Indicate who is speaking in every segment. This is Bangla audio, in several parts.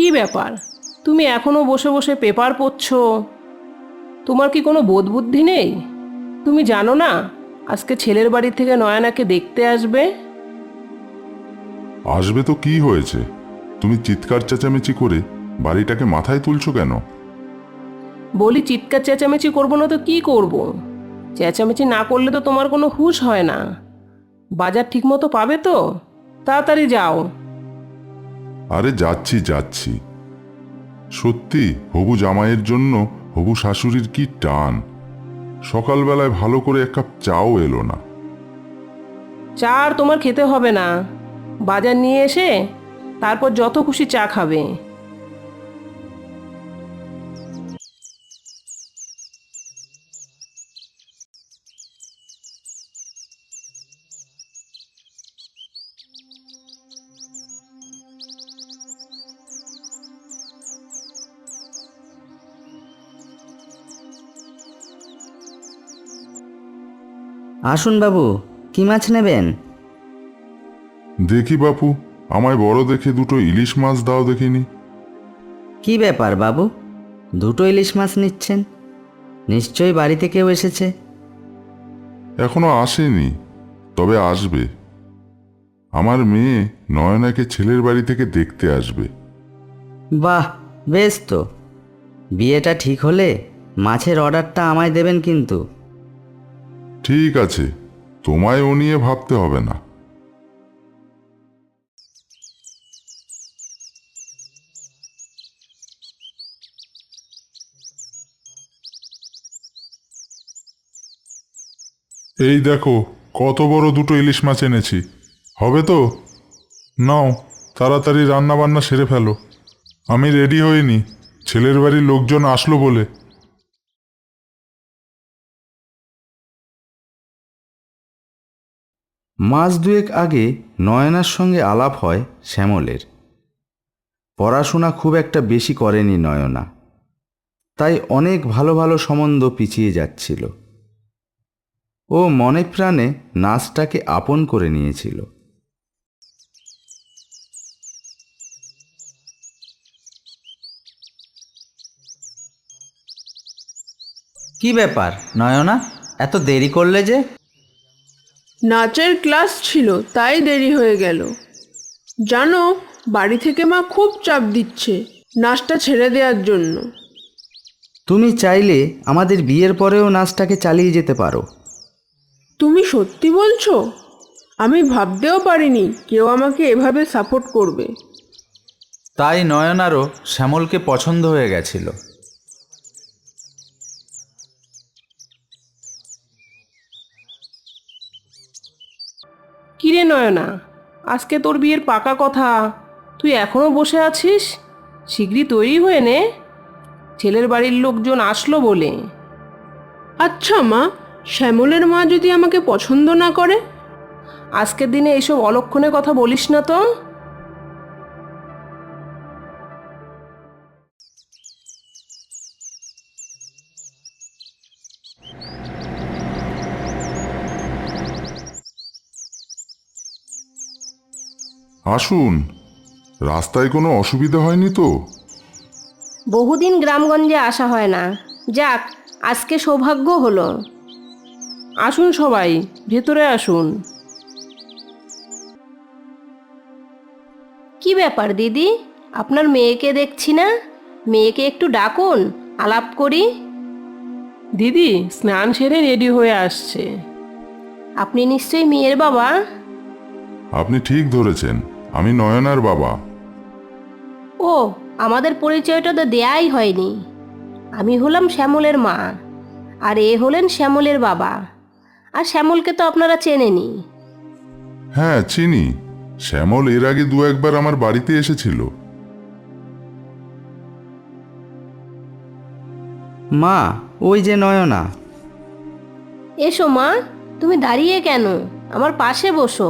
Speaker 1: কি ব্যাপার, তুমি এখনো বসে বসে পেপার পড়ছো? তোমার কি কোনো বোধ বুদ্ধি নেই? তুমি জানো না আজকে ছেলের বাড়ি থেকে নয়নাকে দেখতে আসবে?
Speaker 2: আসবে তো কি হয়েছে? তুমি চিৎকার চেঁচামেচি করে বাড়িটাকে মাথায় তুলছো কেন?
Speaker 1: বলি চিৎকার চেঁচামেচি করবো না তো কি করব? চেঁচামেচি না করলে তো তোমার কোনো হুঁশ হয় না। বাজার ঠিকমতো পাবে তো? তাড়াতাড়ি যাও।
Speaker 2: আরে যাচ্ছি যাচ্ছি। সত্যি হবু জামাইয়ের জন্য হবু শাশুড়ির কি টান। সকালবেলায় ভালো করে এক কাপ চাও এলো না।
Speaker 1: চা আর তোমার খেতে হবে না, বাজার নিয়ে এসে তারপর যত খুশি চা খাবে।
Speaker 3: আসুন বাবু, কি মাছ নেবেন?
Speaker 2: দেখি বাপু, আমায় বড় দেখে দুটো ইলিশ মাছ দাও দেখিনি।
Speaker 3: কি ব্যাপার বাবু, দুটো ইলিশ মাছ নিচ্ছেন? নিশ্চয়ই বাড়িতে কেউ এসেছে।
Speaker 2: এখনো আসেনি, তবে আসবে। আমার মেয়ে নয়নাকে ছেলের বাড়ি থেকে দেখতে আসবে।
Speaker 3: বাহ, বেশ তো। বিয়েটা ঠিক হলে মাছের অর্ডারটা আমায় দেবেন কিন্তু।
Speaker 2: ঠিক আছে, তোমায় ও নিয়ে ভাবতে হবে না। এই দেখো, কত বড় দুটো ইলিশ মাছ এনেছি। হবে তো? নাও, তাড়াতাড়ি রান্না বান্না সেরে ফেলো। আমি রেডি হইনি, ছেলের বাড়ির লোকজন আসলো বলে।
Speaker 4: মাস দুয়েক আগে নয়নার সঙ্গে আলাপ হয় শ্যামলের। পড়াশোনা খুব একটা বেশি করেনি নয়না, তাই অনেক ভালো ভালো সম্বন্ধ পিছিয়ে যাচ্ছিল। ও মনে প্রাণে নাচটাকে আপন করে নিয়েছিল।
Speaker 3: কি ব্যাপার নয়না, এত দেরি করলে যে?
Speaker 5: নাচের ক্লাস ছিল তাই দেরি হয়ে গেল। জানো, বাড়ি থেকে মা খুব চাপ দিচ্ছে নাচটা ছেড়ে দেওয়ার জন্য।
Speaker 3: তুমি চাইলে আমাদের বিয়ের পরেও নাচটাকে চালিয়ে যেতে পারো।
Speaker 5: তুমি সত্যি বলছো? আমি ভাবতেও পারিনি কেউ আমাকে এভাবে সাপোর্ট করবে।
Speaker 4: তাই নয়নারও শ্যামলকে পছন্দ হয়ে গেছিল।
Speaker 1: কিরে নয়না, আজকে তোর বিয়ের পাকা কথা, তুই এখনো বসে আছিস? শিগগিরই তৈরি হয়ে নে, ছেলের বাড়ির লোকজন আসলো বলে।
Speaker 5: আচ্ছা মা, শ্যামলের মা যদি আমাকে পছন্দ না করে?
Speaker 1: আজকের দিনে এইসব অলক্ষণে কথা বলিস না তো।
Speaker 2: আসুন, রাস্তায় কোনো অসুবিধা হয়নি তো?
Speaker 6: বহুদিন গ্রামগঞ্জে আসা হয় না, যাক আজকে সৌভাগ্য হলো।
Speaker 1: আসুন সবাই, ভেতরে আসুন।
Speaker 6: কি ব্যাপার দিদি, আপনার মেয়েকে দেখছি না? মেয়েকে একটু ডাকুন, আলাপ করি।
Speaker 1: দিদি স্নান সেরে রেডি হয়ে আসছে।
Speaker 6: আপনি নিশ্চয়ই মেয়ের বাবা?
Speaker 2: আপনি ঠিক ধরেছেন, আমি নয়নার বাবা।
Speaker 6: ও, আমাদের পরিচয়টা তো দেয়াই হয়নি। আমি হলাম শ্যামলের মা, আর এ হলেন শ্যামলের বাবা। আর শ্যামলকে তো আপনারা চেনেনি।
Speaker 2: হ্যাঁ চিনি, শ্যামল এর আগে দু একবার আমার বাড়িতে এসেছিল।
Speaker 3: মা, ওই যে নয়না।
Speaker 6: এসো মা, তুমি দাঁড়িয়ে কেন? আমার পাশে বসো।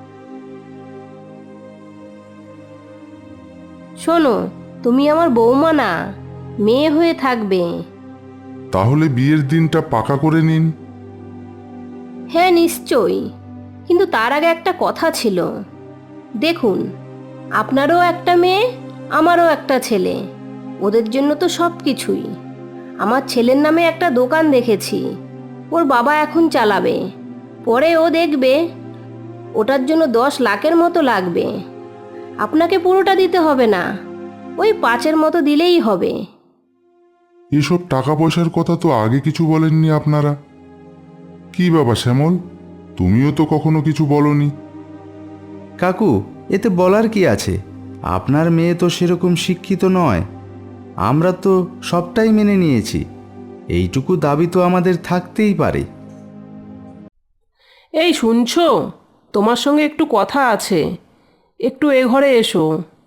Speaker 6: শোনো, তুমি আমার বৌমা না, মেয়ে হয়ে থাকবে।
Speaker 2: তাহলে বিয়ের দিনটা পাকা করে নিন।
Speaker 6: হ্যাঁ নিশ্চয়ই, কিন্তু তার আগে একটা কথা ছিল। দেখুন, আপনারও একটা মেয়ে আমারও একটা ছেলে, ওদের জন্য তো সব কিছুই। আমার ছেলের নামে একটা দোকান দেখেছি, ওর বাবা এখন চালাবে, পরে ও দেখবে। ওটার জন্য 10 লাখের মতো লাগবে। আপনাকে পুরোটা দিতে হবে না, ওই 5-এর মতো দিলেই হবে।
Speaker 2: এসব টাকা পয়সার কথা তো আগে কিছু বলেননি আপনারা। কি বাবা শ্যামল, তুমিও তো কখনো কিছু বলনি।
Speaker 4: কাকু, এতে বলার কি আছে? আপনার মেয়ে তো সেরকম শিক্ষিত নয়। আমরা তো সবটাই মেনে নিয়েছি। এইটুকু দাবি তো আমাদের থাকতেই পারে।
Speaker 1: এই শুনছো, তোমার সঙ্গে একটু কথা আছে, একটু এ ঘরে এসো।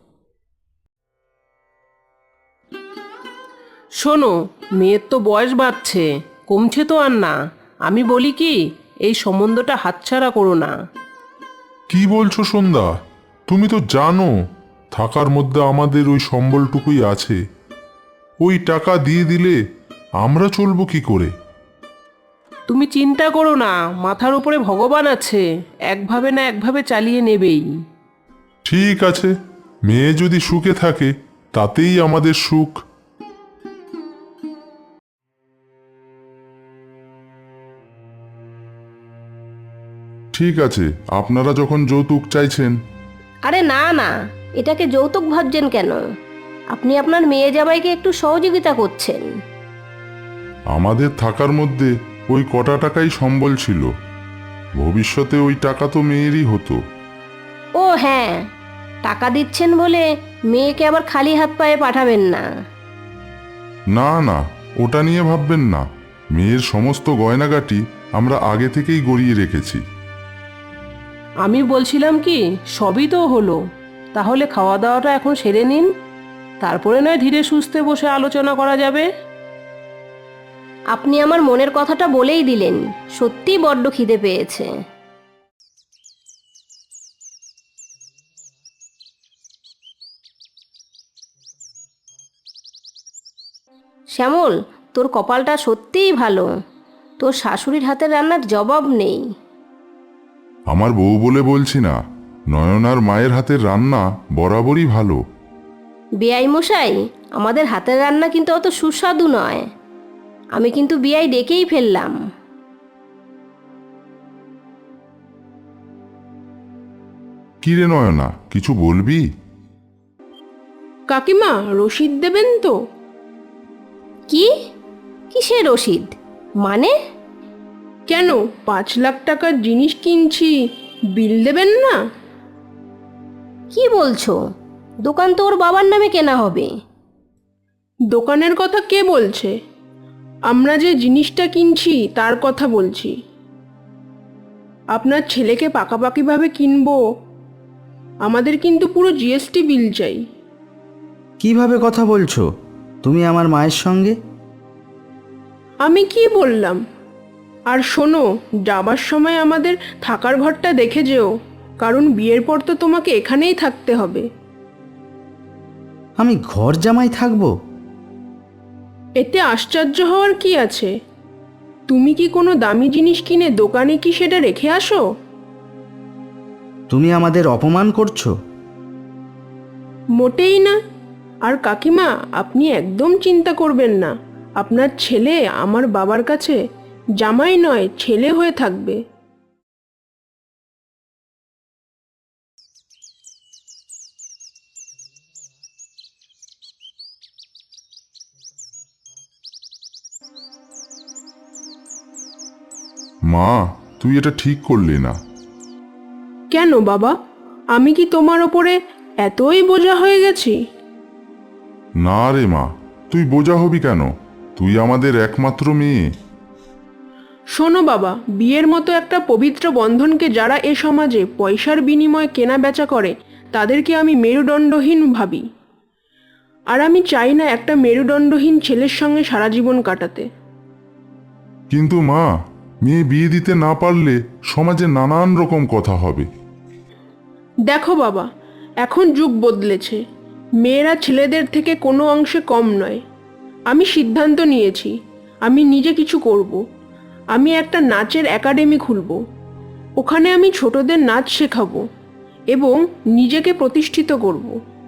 Speaker 1: শোনো, মেয়ের তো বয়স বাড়ছে, কমছে তো আর না। আমি বলি কি, এই সম্বন্ধটা হাতছাড়া করো না।
Speaker 2: কি বলছো সন্ধ্যা? তুমি তো জানো থাকার মধ্যে আমাদের ওই সম্বলটুকুই আছে। ওই টাকা দিয়ে দিলে আমরা চলবো কি করে?
Speaker 1: তুমি চিন্তা করো না, মাথার উপরে ভগবান আছে, একভাবে না একভাবে চালিয়ে নেবেই।
Speaker 2: ঠিক আছে, মেয়ে যদি সুখে থাকে তাতেই আমাদের সুখ। ঠিক আছে, আপনারা যখন যৌতুক চাইছেন।
Speaker 6: আরে না না, এটাকে যৌতুক ভাবছেন কেন? আপনি আপনার মেয়ে জামাইকে একটু সহযোগিতা করছেন।
Speaker 2: আমাদের থাকার মধ্যে ওই কটা টাকাই সম্বল ছিল, ভবিষ্যতে ওই টাকা তো মেয়েরই হতো।
Speaker 6: ও হ্যাঁ, টাকা দিচ্ছেন বলে মেয়েকে আবার খালি হাত পায়ে পাঠাবেন না।
Speaker 2: না না, ওটা নিয়ে ভাববেন না। মেয়ের সমস্ত গয়নাগাটি আমরা আগে থেকেই গড়িয়ে রেখেছি।
Speaker 1: আমি বলছিলাম কি, সবই তো হলো, তাহলে খাওয়া দাওয়াটা এখন সেরে নিন, তারপরে নয় ধীরে সুস্থে বসে আলোচনা করা যাবে।
Speaker 6: আপনি আমার মনের কথাটা বলেই দিলেন, সত্যিই বড্ড খিদে পেয়েছে। শ্যামল, তোর কপালটা সত্যিই ভালো, তোর শাশুড়ির হাতের রান্নার জবাব নেই।
Speaker 2: আমার বউ বলে বলছি না, নয়নার মায়ের হাতের রান্না বরাবরই ভালো।
Speaker 6: বেয়াই মশাই, আমাদের হাতের রান্না কিন্তু অত সুস্বাদু নয়। আমি কিন্তু বিয়াই ডেকেই ফেললাম।
Speaker 2: কি রে নয়না, কিছু বলবি?
Speaker 5: কাকিমা, রসিদ দেবেন তো?
Speaker 6: কি? কিসের রসিদ? মানে?
Speaker 5: কেন, 5 লাখ টাকার জিনিস কিনছি, বিল দেবেন না?
Speaker 6: কি বলছো? দোকান তো ওর বাবার নামে কেনা হবে।
Speaker 5: দোকানের কথা কে বলছে? আমরা যে জিনিসটা কিনছি তার কথা বলছি। আপনার ছেলেকে পাকাপাকিভাবে কিনবো, আমাদের কিন্তু পুরো জিএসটি বিল চাই।
Speaker 3: কিভাবে কথা বলছো তুমি আমার মায়ের সঙ্গে?
Speaker 5: আমি কি বললাম? আর শোনো, যাবার সময় আমাদের থাকার ঘরটা দেখে যেও, কারণ বিয়ের পর তো তোমাকে এখানেই থাকতে হবে।
Speaker 3: আমি ঘর জামাই থাকবো?
Speaker 5: এতে আশ্চর্য হওয়ার কি আছে? তুমি কি কোনো দামি জিনিস কিনে দোকানে কি সেটা রেখে আসো?
Speaker 3: তুমি আমাদের অপমান করছো।
Speaker 5: মোটেই না। আর কাকিমা, আপনি একদম চিন্তা করবেন না, আপনার ছেলে আমার বাবার কাছে জামাই নয়, ছেলে হয়ে থাকবে।
Speaker 2: মা, তুই এটা ঠিক করলি না।
Speaker 5: কেন বাবা, আমি কি তোমার ওপরে এতই বোঝা হয়ে গেছি?
Speaker 2: না রে মা, তুই বোঝা হবি কেন? তুই আমাদের একমাত্র মেয়ে।
Speaker 5: শোনো বাবা, বিয়ের মতো একটা পবিত্র বন্ধনকে যারা এ সমাজে পয়সার বিনিময়ে কেনা বেচা করে, তাদেরকে আমি মেরুদণ্ডহীন ভাবি। আর আমি চাই না একটা মেরুদণ্ডহীন ছেলের সঙ্গে সারা জীবন কাটাতে।
Speaker 2: কিন্তু মা, মেয়ে বিয়ে দিতে না পারলে সমাজে নানান রকম কথা হবে।
Speaker 5: দেখো বাবা, এখন যুগ বদলেছে, মেয়েরা ছেলেদের থেকে কোনো অংশে কম নয়। আমি সিদ্ধান্ত নিয়েছি, আমি নিজে কিছু করব। আমি একটা নাচের একাডেমি খুলব, ওখানে আমি ছোটদের নাচ শেখাবো এবং নিজেকে প্রতিষ্ঠিত করব।